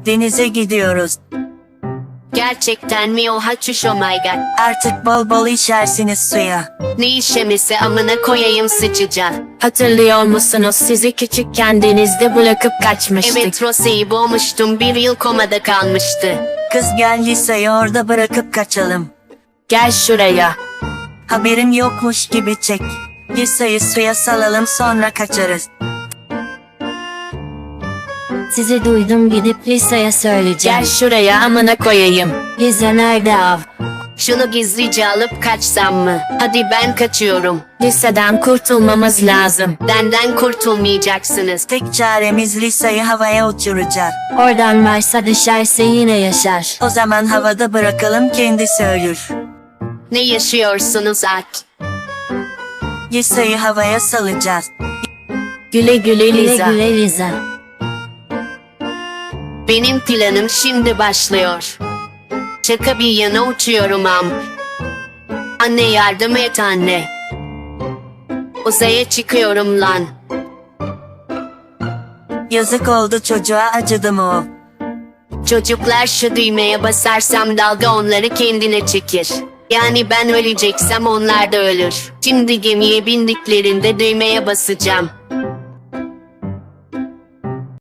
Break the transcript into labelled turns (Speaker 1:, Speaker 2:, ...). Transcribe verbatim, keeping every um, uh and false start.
Speaker 1: Denize gidiyoruz.
Speaker 2: Gerçekten mi? Oha çüş, oh my god.
Speaker 1: Artık bol bol işersiniz suya.
Speaker 2: Ne işemesi, amına koyayım sıçacak.
Speaker 3: Hatırlıyor musunuz, sizi küçükken denizde bırakıp kaçmıştık.
Speaker 2: Evet, Rose'yi boğmuştum, bir yıl komada kalmıştı.
Speaker 1: Kız gel Lisa'yı orada bırakıp kaçalım.
Speaker 3: Gel şuraya.
Speaker 1: Haberim yokmuş gibi çek. Lisa'yı suya salalım, sonra kaçarız.
Speaker 4: Sizi duydum, gidip Lisa'ya söyleyeceğim.
Speaker 3: Gel şuraya, amına koyayım.
Speaker 4: Lisa nerede av?
Speaker 2: Şunu gizlice alıp kaçsam mı? Hadi ben kaçıyorum.
Speaker 3: Liseden kurtulmamız lazım.
Speaker 2: Benden kurtulmayacaksınız.
Speaker 1: Tek çaremiz Lisa'yı havaya uçuracağız.
Speaker 4: Oradan varsa düşerse yine yaşar.
Speaker 1: O zaman havada bırakalım, kendisi ölür.
Speaker 2: Ne yaşıyorsunuz at?
Speaker 1: Lisa'yı havaya salacağız.
Speaker 3: Güle güle
Speaker 4: Güle
Speaker 3: Liza.
Speaker 4: güle Liza.
Speaker 2: Benim planım şimdi başlıyor. Şaka bir yana uçuyorum am. Anne yardım et anne. Uzaya çıkıyorum lan.
Speaker 1: Yazık oldu çocuğa, acıdı mı o?
Speaker 2: Çocuklar, şu düğmeye basarsam dalga onları kendine çekir. Yani ben öleceksem onlar da ölür. Şimdi gemiye bindiklerinde düğmeye basacağım.